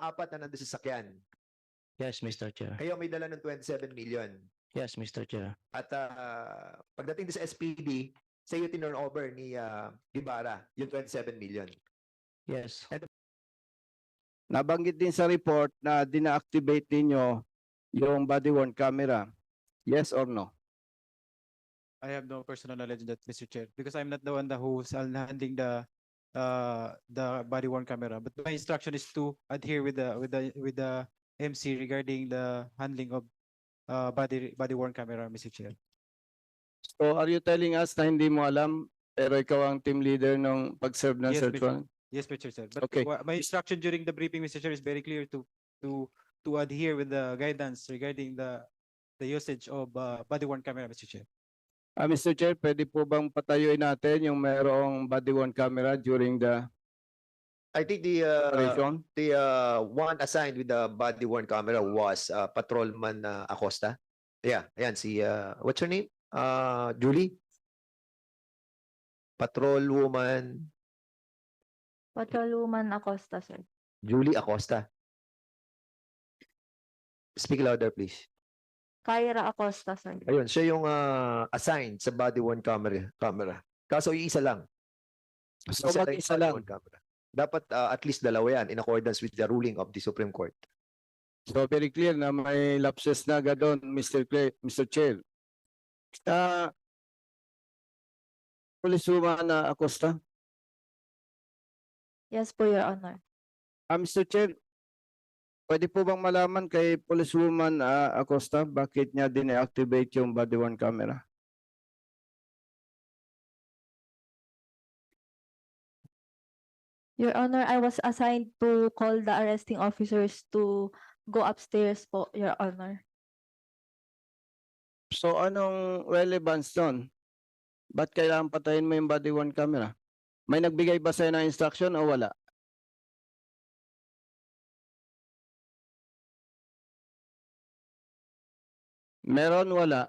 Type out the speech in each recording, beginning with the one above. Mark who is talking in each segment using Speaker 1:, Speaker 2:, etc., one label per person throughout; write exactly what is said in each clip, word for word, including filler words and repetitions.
Speaker 1: apat na nandun sa sakyan.
Speaker 2: Yes, Mister Chair.
Speaker 1: Kayo may dala ng twenty-seven million.
Speaker 2: Yes, Mister Chair.
Speaker 1: At uh, pagdating sa S P D, sa iyo tinurn over ni uh, Ibarra yung twenty-seven million.
Speaker 2: Yes.
Speaker 3: Nabanggit din sa report na dina-activate ninyo yung body-worn camera. Yes or no?
Speaker 4: I have no personal knowledge of that, Mister Chair, because I'm not the one that who's handling the uh the body worn camera. But my instruction is to adhere with the with the with the M C regarding the handling of uh body body worn camera, Mister Chair.
Speaker 3: So are you telling us na hindi mo alam pero ikaw ang team leader ng pag-serve ng
Speaker 4: Yes,
Speaker 3: search
Speaker 4: Mister
Speaker 3: warrant?
Speaker 4: Yes, Mister Chair. But
Speaker 3: Okay.
Speaker 4: wha- my instruction during the briefing, Mister Chair, is very clear to to to adhere with the guidance regarding the the usage of uh, body worn camera, Mister Chair.
Speaker 3: Ah, Mister Chair, pwede po bang patayuin natin yung mayroong body-worn camera during the
Speaker 1: I think the uh,
Speaker 3: operation?
Speaker 1: the uh, one assigned with the body worn camera was uh, patrolman uh, Acosta. Yeah, ayan si uh, what's her name? Uh, Julie. Patrolwoman
Speaker 5: Patrolwoman Acosta, sir.
Speaker 1: Julie Acosta. Speak louder, please.
Speaker 5: Kyra Acosta, sir.
Speaker 1: Ayun, siya yung uh, assigned sa body worn camera. camera. Kaso yung isa lang.
Speaker 3: So
Speaker 1: Isa lang yung
Speaker 3: mag-isa
Speaker 1: body
Speaker 3: lang.
Speaker 1: worn camera. Dapat uh, at least dalawa yan in accordance with the ruling of the Supreme Court.
Speaker 3: So very clear na may lapses na agad doon, Mister Clay, Mister Chair. Ah, Pulisuma na Acosta.
Speaker 5: Yes po, Your Honor.
Speaker 3: Ah, Mister Chair, pwede po bang malaman kay Policewoman ah, Acosta bakit niya din-activate yung body-worn camera?
Speaker 5: Your Honor, I was assigned to call the arresting officers to go upstairs po, Your Honor.
Speaker 3: So anong relevance doon? Ba't kailangan patayin mo yung body-worn camera? May nagbigay ba sa'yo ng instruction o wala? Meron, wala.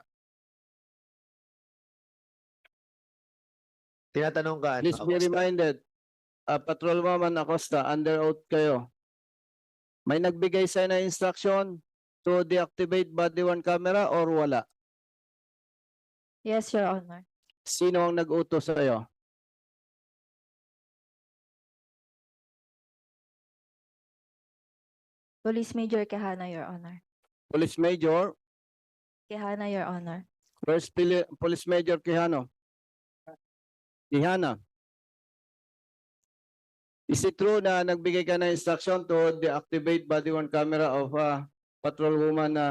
Speaker 1: Tinatanong ka, ano,
Speaker 3: Please be
Speaker 1: Acosta?
Speaker 3: reminded, uh, Patrolwoman Acosta, under oath kayo. May nagbigay sa'yo ng instruction to deactivate body-worn camera or wala?
Speaker 5: Yes, Your Honor.
Speaker 3: Sino ang nag-utos sa'yo?
Speaker 5: Police Major Quijana, Your Honor.
Speaker 3: Police Major,
Speaker 5: Quijana, Your Honor.
Speaker 3: First Pili- Police Major Quijano. Quijana. Is it true na nagbigay ka ng instruction to deactivate body-worn camera of uh, patrolwoman na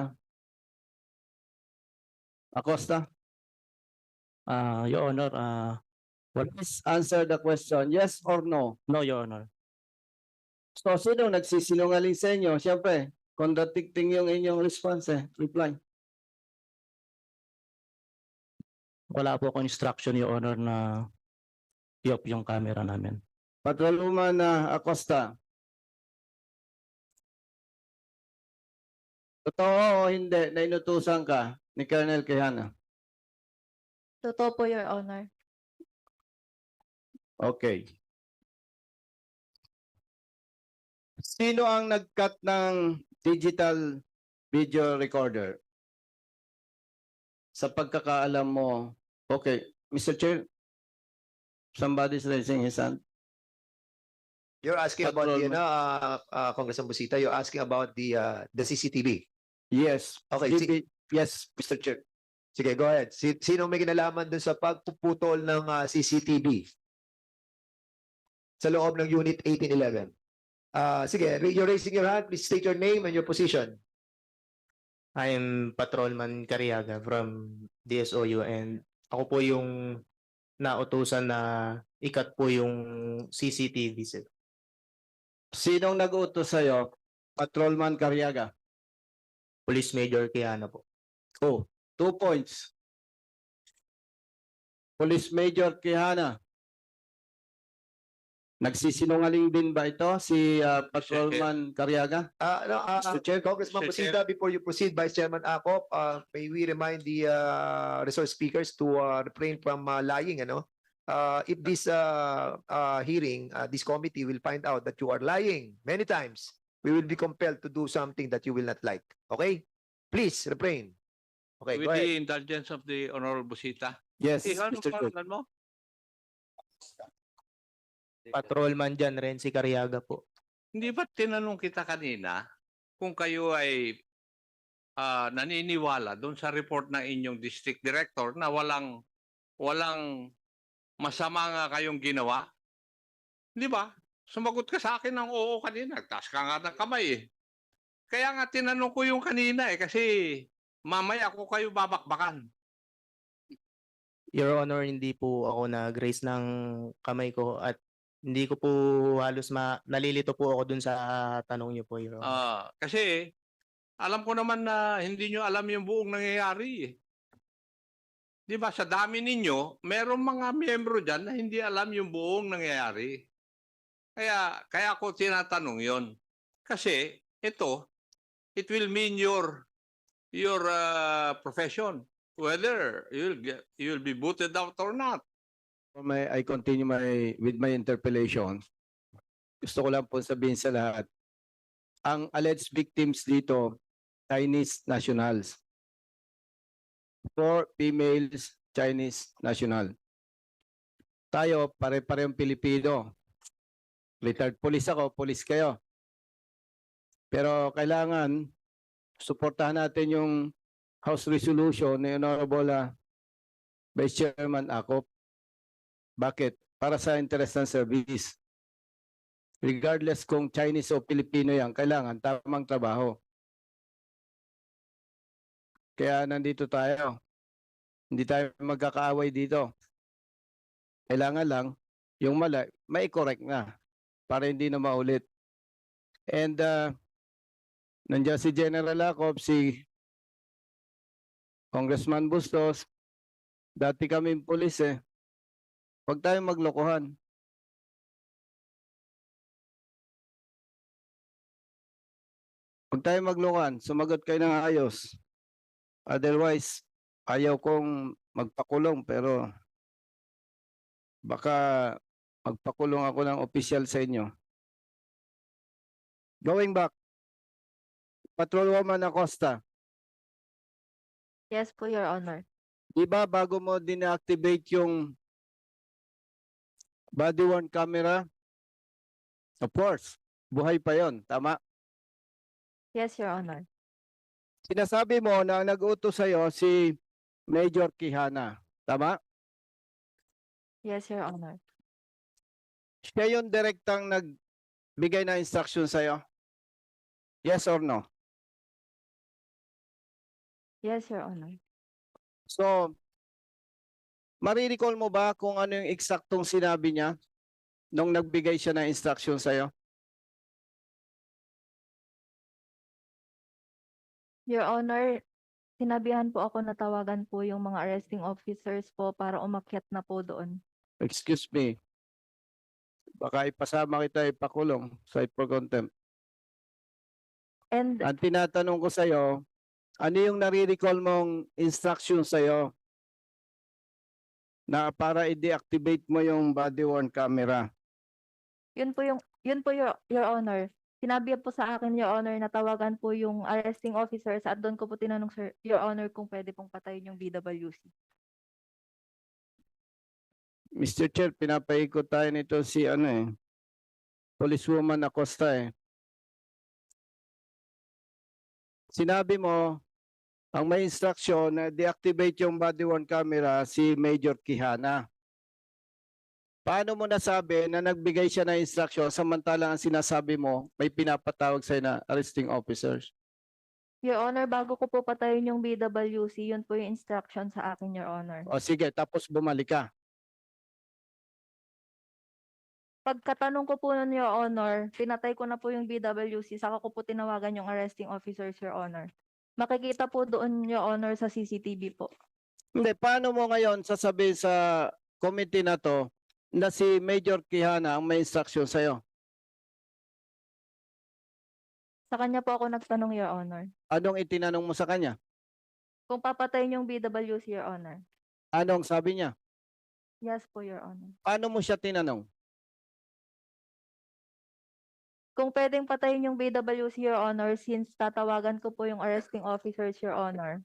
Speaker 3: Acosta?
Speaker 2: Uh, Your Honor, uh,
Speaker 3: Please answer the question, yes or no?
Speaker 2: no, Your Honor.
Speaker 3: So, sino nagsisinungaling sa inyo? Siyempre, contradicting yung inyong response eh, reply.
Speaker 2: Wala po akong instruction, Your Honor, na i-off yung camera namin.
Speaker 3: Patrolwoman na Acosta. Totoo o hindi na inutusan ka ni Colonel Quijana?
Speaker 5: Totoo po, Your Honor.
Speaker 3: Okay. Sino ang nag-cut ng digital video recorder? Sa pagkakaalam mo, okay, Mister Chair, somebody's raising his hand.
Speaker 1: You're asking about the,
Speaker 3: Patrolman.
Speaker 1: ano, uh, uh, Congressman Busita, you're asking about the uh, the C C T V.
Speaker 3: Yes.
Speaker 1: Okay,
Speaker 3: D B
Speaker 1: sige.
Speaker 3: yes, Mister Chair.
Speaker 1: Sige, go ahead. Si, sino may kinalaman dun sa pagpuputol ng uh, C C T V sa loob ng Unit eighteen eleven? Uh, sige, you're raising your hand. Please state your name and your position.
Speaker 6: I'm Patrolman Cariaga from D S O U and ako po yung nautusan na ikat po yung C C T V sir.
Speaker 3: Sinong nag-utos sa'yo? Patrolman Cariaga.
Speaker 6: Police Major Quijano po.
Speaker 3: Oh, two points. Police Major Quijana. Nagsisinungaling din ba ito si uh, Patrolman Cariaga?
Speaker 1: Uh, no, uh,
Speaker 3: Mister Chair,
Speaker 1: Congressman
Speaker 6: Mister
Speaker 1: Busita, before you proceed, Vice Chairman Acop, uh, may we remind the uh, resource speakers to uh, refrain from uh, lying, ano? Uh, if this uh, uh, hearing, uh, this committee will find out that you are lying many times, we will be compelled to do something that you will not like. Okay? Please, refrain. Okay,
Speaker 7: With
Speaker 1: go ahead.
Speaker 7: the indulgence of the Honorable Busita.
Speaker 3: Yes,
Speaker 7: Eh, ano
Speaker 3: Mister Chair.
Speaker 7: pangalan mo?
Speaker 6: Patrolman dyan, Renzi Cariaga po.
Speaker 7: Hindi ba tinanong kita kanina kung kayo ay ah, naniniwala doon sa report ng inyong district director na walang walang masama nga kayong ginawa? Di ba? Sumagot ka sa akin ng oo kanina. Taas ka nga ng kamay eh. Kaya nga tinanong ko yung kanina eh kasi mamaya ako kayo babakbakan.
Speaker 6: Your Honor, hindi po ako nag-raise ng kamay ko at hindi ko po halos ma nalilito po ako dun sa tanong niyo po, Your Honor.
Speaker 7: Ah, kasi alam ko naman na hindi nyo alam yung buong nangyayari eh. Di ba sa dami ninyo, merong mga miyembro dyan na hindi alam yung buong nangyayari. Kaya, kaya ako tinatanong yon. Kasi ito, it will mean your your uh, profession. Whether you'll get, you'll be booted out or not.
Speaker 3: May, I continue my, with my interpellation. Gusto ko lang po sabihin sa lahat. Ang alleged victims dito, Chinese nationals. Four females, Chinese national. Tayo, pare-parehong Pilipino. Retired police ako, police kayo. Pero kailangan, suportahan natin yung House Resolution ni Honorable uh, Vice Chairman Acop. Bakit? Para sa interest ng service. Regardless kung Chinese o Filipino yan, kailangan tamang trabaho. Kaya nandito tayo. Hindi tayo magkakaaway dito. Kailangan lang, yung mali, may correct na para hindi na maulit. And uh, nandiyan si General Acop, si Congressman Bustos, dati kami pulis eh. Huwag tayong maglokohan. Huwag tayong maglokohan. Sumagot kayo ng ayos. Otherwise, ayaw kong magpakulong pero baka magpakulong ako ng opisyal sa inyo. Going back, Patrolwoman Acosta,
Speaker 5: Yes po, Your Honor.
Speaker 3: di ba bago mo din-activate yung body worn camera? Of course, buhay pa yon, tama?
Speaker 5: Yes, Your Honor.
Speaker 3: Sinasabi mo na ang nag-utos sa'yo si Major Quijana, tama?
Speaker 5: Yes, Your Honor.
Speaker 3: Siya yung direktang nagbigay ng instruction sa'yo? Yes or no?
Speaker 5: Yes, Your Honor.
Speaker 3: So, marirecall mo ba kung ano yung eksaktong sinabi niya nung nagbigay siya ng instruction sa'yo?
Speaker 5: Your Honor, sinabihan po ako na tawagan po yung mga arresting officers po para umakyat na po doon.
Speaker 3: Excuse me. Baka ipasama kita ipakulong sa for contempt.
Speaker 5: And
Speaker 3: Ang tinatanong ko sa'yo, ano yung nare-recall mong instruction sa'yo na para i-deactivate mo yung body worn camera?
Speaker 5: yun po yung, yun po Your, Your Honor. Sinabi po sa akin, Your Honor, na tawagan po yung arresting officers at doon ko po tinanong, Sir, Your Honor, kung pwede pong patayin yung B W C.
Speaker 3: Mister Chair, pinapaikot tayo nito si ano eh, Policewoman Acosta eh. Sinabi mo, ang may instruction na deactivate yung body worn camera si Major Quijana. Paano mo nasabi na nagbigay siya ng instruction samantalang ang sinasabi mo may pinapatawag sa'yo na arresting officers?
Speaker 5: Your Honor, bago ko po patayin yung B W C, yun po yung instruction sa akin, Your Honor.
Speaker 3: O sige, tapos bumalik ka.
Speaker 5: Pagkatanong ko po nun, Your Honor, pinatay ko na po yung B W C, saka ko po tinawagan yung arresting officers, Your Honor. Makikita po doon, Your Honor, sa C C T V po.
Speaker 3: Hindi, paano mo ngayon sasabihin sa committee na to na si Major Quijana ang may instruction sa'yo?
Speaker 5: Sa kanya po ako nagtanong, Your Honor.
Speaker 3: Anong itinanong mo sa kanya?
Speaker 5: Kung papatayin yung B W C, Your Honor.
Speaker 3: Anong sabi niya?
Speaker 5: Yes po, Your Honor.
Speaker 3: Paano mo siya tinanong?
Speaker 5: Kung pwedeng patayin yung B W C, Your Honor, since tatawagan ko po yung arresting officers, Your Honor.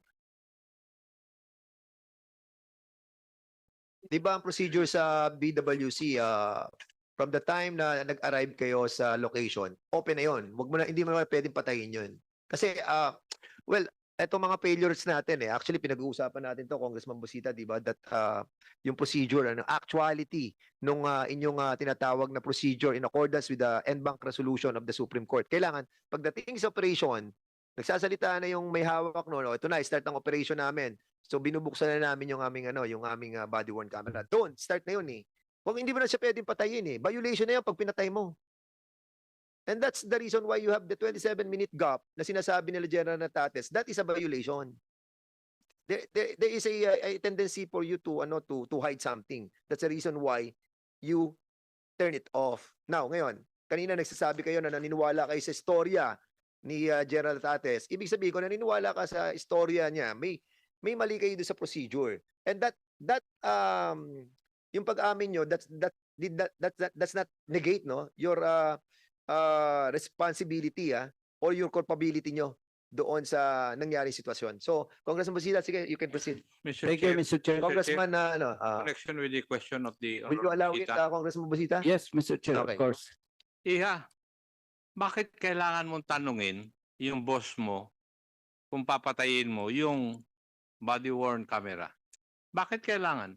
Speaker 1: Di ba ang procedure sa B W C, ah, from the time na nag-arrive kayo sa location, open na yun. Wag mo na, hindi mo na pwedeng patayin yun. Kasi, ah, well, eto mga failures natin eh. Actually, pinag-uusapan natin to, Congressman Busita, di ba? That ah, yung procedure, ano, actuality nung ah, inyong ah, tinatawag na procedure in accordance with the en banc resolution of the Supreme Court. Kailangan, pagdating sa operation, nagsasalita na yung may hawak no, no, ito na, start ang operation namin. So binubuksan na namin yung aming ano, yung aming uh, body worn camera. Doon, start na yun eh. Kung hindi mo na siya pwedeng patayin eh. Violation na yan pag pinatay mo. And that's the reason why you have the twenty-seven minute gap na sinasabi nila General Natates. That is a violation. There, there, there is a, a tendency for you to ano to to hide something. That's the reason why you turn it off. Now, ngayon, kanina nagsasabi kayo na naniniwala kayo sa istorya ni uh, General Natates. Ibig sabihin ko naniniwala ka sa istorya niya. May may mali kayo doon sa procedure. And that that um yung pag-amin nyo, that's that did that, that, that that's not negate no your uh, uh responsibility ah or your culpability nyo doon sa nangyaring sitwasyon. So, Congressman Busita, sige, you can proceed.
Speaker 7: Mister
Speaker 3: Thank you,
Speaker 7: Chair,
Speaker 3: Mister Chair.
Speaker 1: Congressman na ano, uh,
Speaker 7: connection with the question of the
Speaker 1: will you allow it,
Speaker 7: Busita.
Speaker 1: uh, Congressman Busita?
Speaker 3: Yes, Mister Chair,
Speaker 1: Okay.
Speaker 3: of course.
Speaker 7: Iha, bakit kailangan mong tanungin yung boss mo kung papatayin mo yung body worn camera? Bakit kailangan?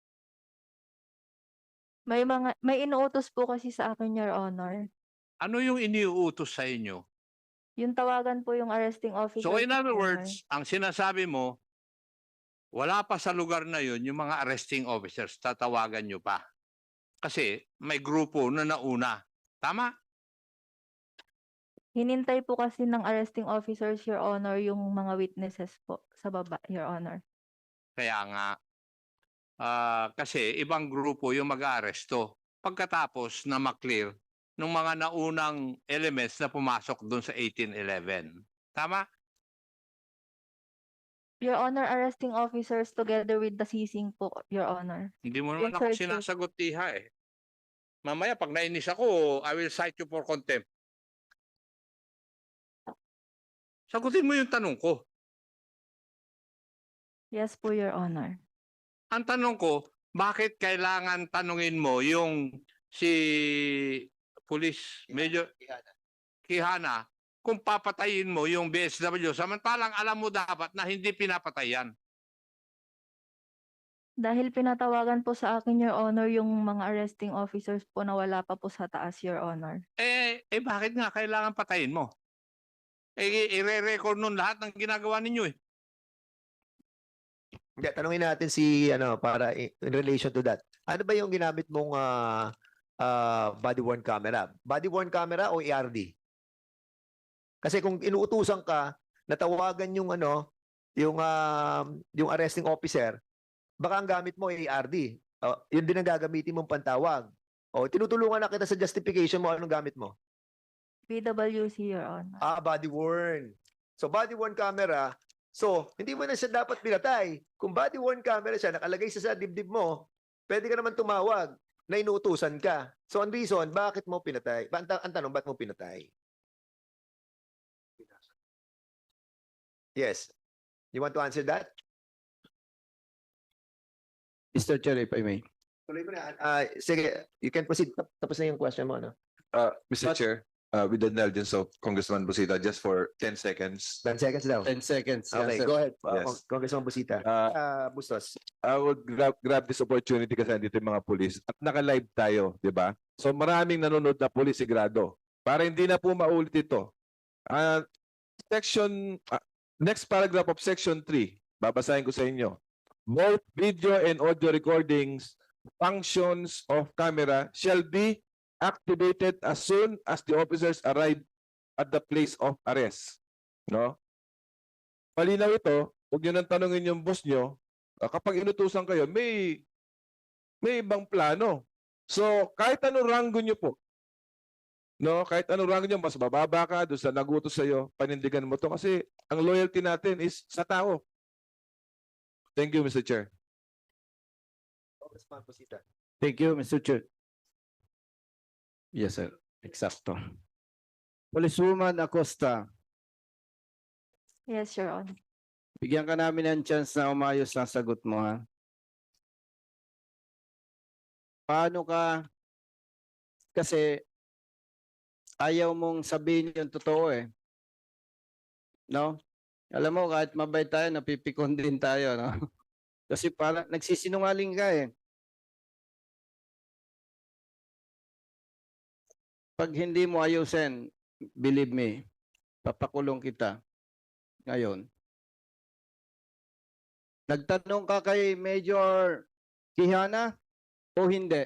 Speaker 5: May mga may inuutos po kasi sa akin, Your Honor.
Speaker 7: Ano yung iniuutos sa inyo?
Speaker 5: Yung tawagan po yung arresting officer.
Speaker 7: So in other
Speaker 5: Your Honor.
Speaker 7: words, ang sinasabi mo, wala pa sa lugar na yun yung mga arresting officers, tatawagan nyo pa. Kasi may grupo na nauna. Tama?
Speaker 5: Hinintay po kasi ng arresting officers, Your Honor, yung mga witnesses po sa baba, Your Honor.
Speaker 7: Kaya nga, ah, kasi ibang grupo yung mag-aaresto pagkatapos na maklear ng mga naunang elements na pumasok doon sa eighteen eleven. Tama?
Speaker 5: Your Honor, arresting officers together with the seizing po, Your Honor.
Speaker 7: Hindi mo naman
Speaker 5: Yung
Speaker 7: ako
Speaker 5: search warrant.
Speaker 7: sinasagot, Iha eh. Mamaya pag nainis ako, I will cite you for contempt. Sagutin mo yung tanong ko.
Speaker 5: Yes po, Your Honor.
Speaker 7: Ang tanong ko, bakit kailangan tanungin mo yung si Police Major Quijana kung papatayin mo yung B S W samantalang alam mo dapat na hindi pinapatayan?
Speaker 5: Dahil pinatawagan po sa akin, Your Honor, yung mga arresting officers po na wala pa po sa taas, Your Honor.
Speaker 7: Eh, eh bakit nga kailangan patayin mo? Eh, i-re-record nun lahat ng ginagawa ninyo eh.
Speaker 1: Hindi, tanungin natin si ano para i- in relation to that. Ano ba yung ginamit mong ah, ah, body worn camera? Body worn camera o E R D? Kasi kung inuutusan ka na tawagan yung ano, yung ah, yung arresting officer, baka ang gamit mo ay E R D. Oh, yun din ang gagamitin mong pantawag. O tinutulungan na kita sa justification mo, anong gamit mo?
Speaker 5: B W C, Your Honor.
Speaker 1: Ah, body worn. So body worn camera, so hindi mo na siya dapat pinatay. Kung body worn camera siya, nakalagay siya sa dibdib mo, pwede ka naman tumawag na inuutusan ka. So ang reason, bakit mo pinatay? Ba- Ang, ta- ang tanong, bakit mo pinatay? Yes. You want to answer that?
Speaker 3: Mister Chair, if I may.
Speaker 1: Tuloy mo na. Ah, sige, you can proceed. Tap- Tapos na yung question mo, no?
Speaker 8: Uh, Mister
Speaker 1: But-
Speaker 8: Chair, uh, with the indulgence of Congressman Busita, just for ten seconds.
Speaker 1: ten seconds daw.
Speaker 3: Ten seconds.
Speaker 1: Okay,
Speaker 3: Yes, sir.
Speaker 1: go ahead. Uh,
Speaker 8: Yes.
Speaker 1: Cong- Congressman Busita.
Speaker 8: Uh,
Speaker 1: Ah, Bustos.
Speaker 8: I would grab, grab this opportunity kasi andito yung mga pulis at naka-live tayo, di ba? So maraming nanonood na pulis sigurado. Para hindi na po maulit ito. Uh, section, uh, next paragraph of section three, babasahin ko sa inyo. Both video and audio recordings, functions of camera shall be activated as soon as the officers arrive at the place of arrest. No? Malinaw ito, huwag nyo nang tanungin yung boss nyo, ah, kapag inutusan kayo, may may ibang plano. So, kahit anong ranggo nyo po, no, kahit anong ranggo nyo, mas bababa ka doon sa nagutos sa'yo, panindigan mo to kasi ang loyalty natin is sa tao. Thank you, Mister Chair.
Speaker 1: Congressman Busita.
Speaker 3: Thank you, Mister Chair. Yes, sir. Exacto. Policewoman Acosta,
Speaker 5: Yes, Your Honor.
Speaker 3: bigyan ka namin ng chance na umayos ang sagot mo, ha? Paano ka, kasi ayaw mong sabihin yung totoo eh. No? Alam mo, kahit mabait tayo, napipikon din tayo, no? Kasi parang nagsisinungaling ka eh. Pag hindi mo ayusin, believe me, papakulong kita ngayon. Nagtanong ka kay Major Kihana o hindi?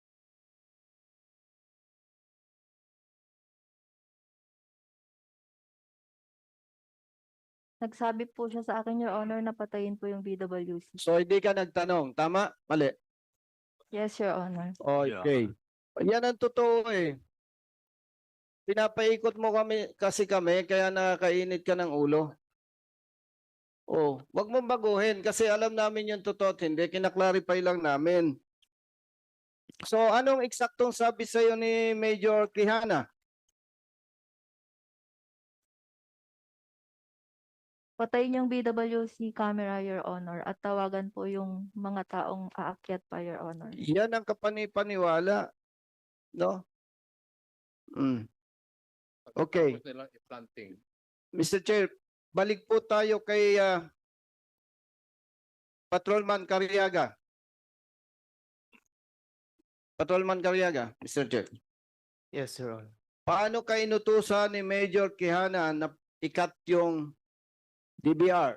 Speaker 5: Nagsabi po siya sa akin, Your Honor, na patayin po yung B W C.
Speaker 3: So hindi ka nagtanong, tama? Mali.
Speaker 5: Yes, Your Honor.
Speaker 3: Okay. Yan ang totoo eh. Pinapaikot mo kami kasi kami kaya nakakainit ka ng ulo. Oh, wag mong baguhin kasi alam namin yung totoo at hindi, kinaklarify lang namin. So anong eksaktong sabi sa iyo ni Major Kihana?
Speaker 5: Patayin yung B W C camera, Your Honor, at tawagan po yung mga taong aakyat pa, Your Honor.
Speaker 3: Yan ang kapanipaniwala, no? Mm. Okay.
Speaker 7: Tapos nilang i-planting.
Speaker 3: mister Chair, balik po tayo kay ah, Patrolman Cariaga. Patrolman Cariaga, mister Chair.
Speaker 6: Yes, Your Honor.
Speaker 3: Paano ka inutusan ni Major Kihana na ikat yung D B R?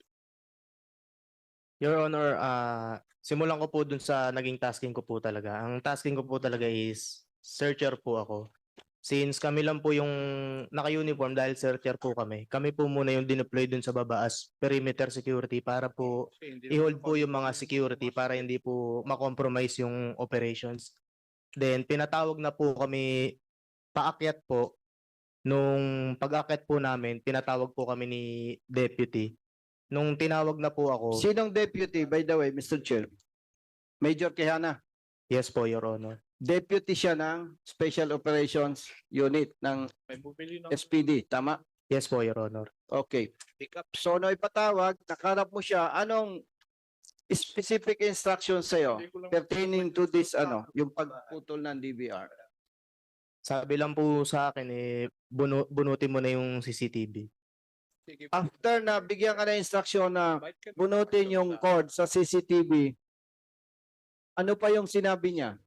Speaker 6: Your Honor, ah simulan ko po dun sa naging tasking ko po talaga. Ang tasking ko po talaga is searcher po ako. Since kami lang po yung naka-uniform dahil searcher po kami, kami po muna yung dineploy dun sa baba as perimeter security para po
Speaker 7: Kasi hindi
Speaker 6: i-hold
Speaker 7: naman
Speaker 6: po yung
Speaker 7: ako-
Speaker 6: mga security para hindi po makompromise yung operations. Then pinatawag na po kami paakyat po. Nung pag-akyat po namin, pinatawag po kami ni deputy. Nung tinawag na po ako,
Speaker 3: Sinong deputy, by the way, mister Chair? Major Kihana.
Speaker 6: yes po, Your Honor.
Speaker 3: Deputy siya ng Special Operations Unit ng
Speaker 7: May bumili ng
Speaker 3: S P D, tama?
Speaker 6: Yes po, Your Honor.
Speaker 3: Okay.
Speaker 7: pickup.
Speaker 3: So, no ipatawag, nakarap mo siya, anong specific instructions sa'yo
Speaker 7: Hindi ko lang-
Speaker 3: pertaining to this, ano, yung pagputol ng D B R?
Speaker 6: Sabi lang po sa akin, eh, bunu bunutin mo na yung C C T V.
Speaker 7: Sige,
Speaker 3: After na bigyan ka ng instruction na
Speaker 7: bite ka na.
Speaker 3: bunutin yung cord sa C C T V, ano pa yung sinabi niya?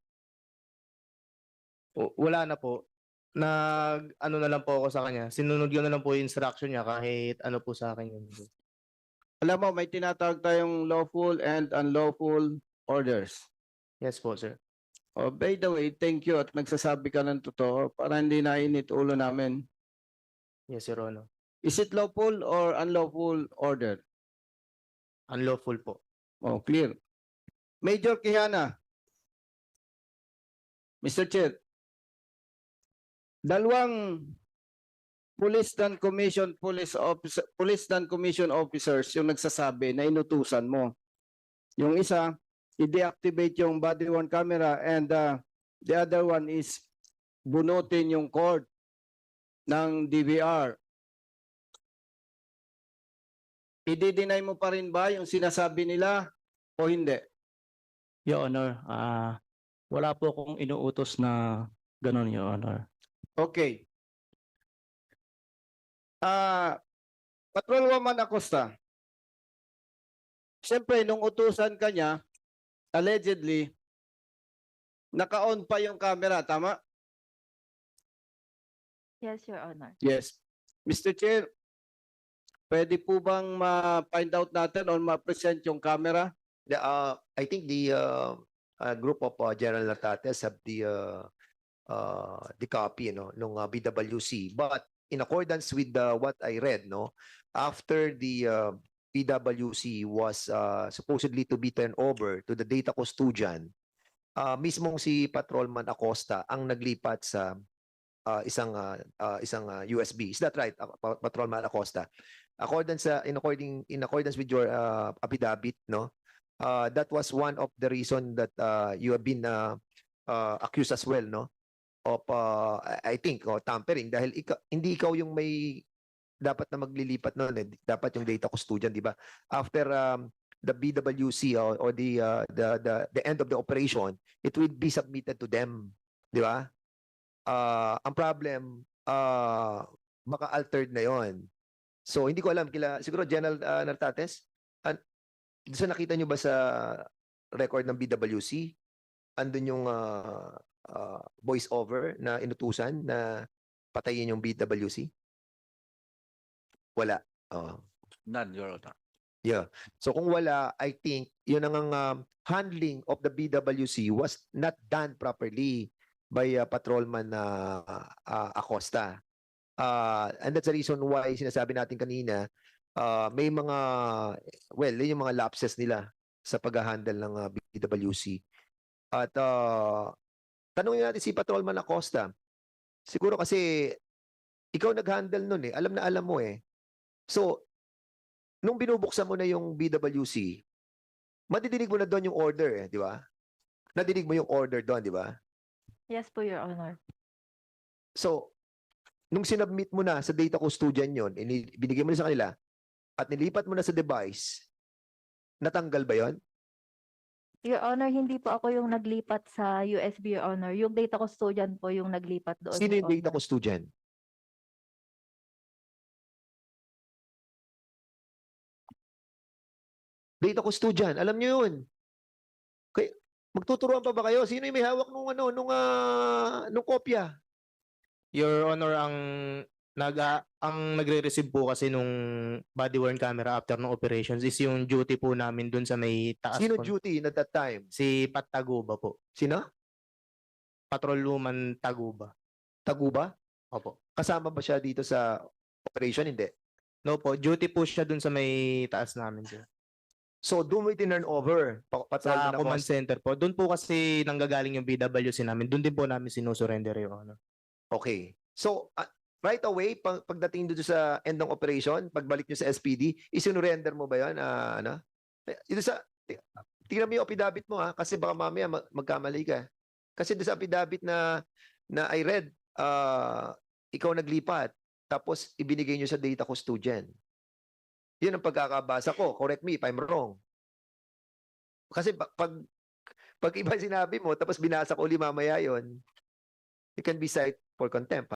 Speaker 6: O, wala na po. Nag, ano na lang po ako sa kanya. Sinunod ko na lang po yung instruction niya kahit ano po sa akin yun.
Speaker 3: Alam mo, may tinatawag tayong lawful and unlawful orders.
Speaker 6: Yes po, sir.
Speaker 3: Oh, by the way, thank you at nagsasabi ka ng totoo para hindi nainit ulo namin.
Speaker 6: Yes, Your Honor.
Speaker 3: Is it lawful or unlawful order?
Speaker 6: Unlawful po.
Speaker 3: Oh, clear. Major Kihana. mister Chair. Dalawang police dan commission police officer police dan commission officers yung nagsasabi na inutusan mo. Yung isa, i-deactivate yung body worn camera and uh, the other one is bunutin yung cord ng D V R. I-deny mo pa rin ba yung sinasabi nila o hindi?
Speaker 2: Your Honor, ah wala po akong inuutos na ganun, Your Honor.
Speaker 3: Okay. Ah, Patrolwoman Acosta. Siyempre, nung utusan ka niya, allegedly, naka-on pa yung camera, tama?
Speaker 5: Yes, Your Honor.
Speaker 3: Yes. mister Chair, pwede po bang ma-find out natin or ma-present yung camera?
Speaker 1: The, uh, I think the uh, uh, group of uh, General Natates have the uh, uh, the copy, you know, nung uh, B W C. But in accordance with uh, what I read, no, after the uh, B W C was uh, supposedly to be turned over to the data custodian, uh, mismong si Patrolman Acosta ang naglipat sa uh, isang uh, uh, isang uh, U S B. Is that right, uh, Pa- Patrolman Acosta? Accordance sa in according in accordance with your uh, affidavit, no, uh, that was one of the reason that uh, you have been uh, uh, accused as well, no, of uh, I I think oh, tampering dahil ikaw, hindi ikaw yung may dapat na maglilipat noon eh. Dapat yung data custodian, di ba? After um, the B W C or, or the, uh, the the the end of the operation, it will be submitted to them, di ba? Uh, ang problem, uh, baka altered na yon. So hindi ko alam kila siguro General uh, Nartates, an so nakita nyo ba sa record ng B W C? Andun yung uh, uh, voice over na inutusan na patayin yung B W C? Wala. Oh.
Speaker 7: None, Your Honor.
Speaker 1: Yeah. So kung wala, I think yun ang um, handling of the B W C was not done properly by uh, patrolman na uh, Acosta. Uh, and that's the reason why sinasabi natin kanina, uh, may mga, well, yun yung mga lapses nila sa pag-handle ng uh, B W C. At uh, tanungin natin si patrolman Acosta. Siguro kasi ikaw nag-handle nun eh. Alam na alam mo eh. So, nung binubuksan mo na yung B W C, madidinig mo na doon yung order eh, di ba? Nadinig mo yung order doon, di ba?
Speaker 5: Yes po, Your Honor.
Speaker 1: So, nung sinubmit mo na sa data custodian yon, ini- binigay mo na sa kanila, at nilipat mo na sa device, natanggal ba yon?
Speaker 5: Your Honor, hindi po ako yung naglipat sa U S B, Your Honor. Yung data custodian po yung naglipat doon.
Speaker 1: Sino
Speaker 5: Your
Speaker 1: yung data
Speaker 5: Honor.
Speaker 1: custodian? Data custodian, alam niyo yun. Kay, magtuturuan pa ba kayo? Sino yung may hawak nung ano, nung ah, nung kopya?
Speaker 6: Your Honor, ang nag ah, ang nagre-receive po kasi nung body worn camera after ng operations is yung duty po namin dun sa may taas
Speaker 1: Sino
Speaker 6: po.
Speaker 1: duty at that time?
Speaker 6: Si Pat Taguba po.
Speaker 1: Sino?
Speaker 6: Patrolwoman Taguba.
Speaker 1: Taguba?
Speaker 6: Opo.
Speaker 1: Kasama ba siya dito sa operation? Hindi.
Speaker 6: No po, duty po siya dun sa may taas namin, sir.
Speaker 1: So, doon mo itinurn over. Pa- patrol
Speaker 6: Sa
Speaker 1: mo na
Speaker 6: command
Speaker 1: cost.
Speaker 6: center po. Doon po kasi nanggagaling yung B W C namin. Doon din po namin sinusurrender, Your Honor.
Speaker 1: Okay. So, ah, right away, pag, pagdating dito sa end ng operation, pagbalik nyo sa S P D, isinurrender mo ba yan? Ah, ano? Eh, Ito sa, ti- tingnan mo yung affidavit mo ha, kasi baka mamaya mag- magkamali ka. Kasi doon sa affidavit na, na I read, ah, ikaw naglipat, tapos ibinigay nyo sa data custodian. Yun ang pagkakabasa ko. Correct me if I'm wrong. Kasi pag, pag, pag iba sinabi mo, tapos binasa ko uli mamaya yun, you can be cited for contempt.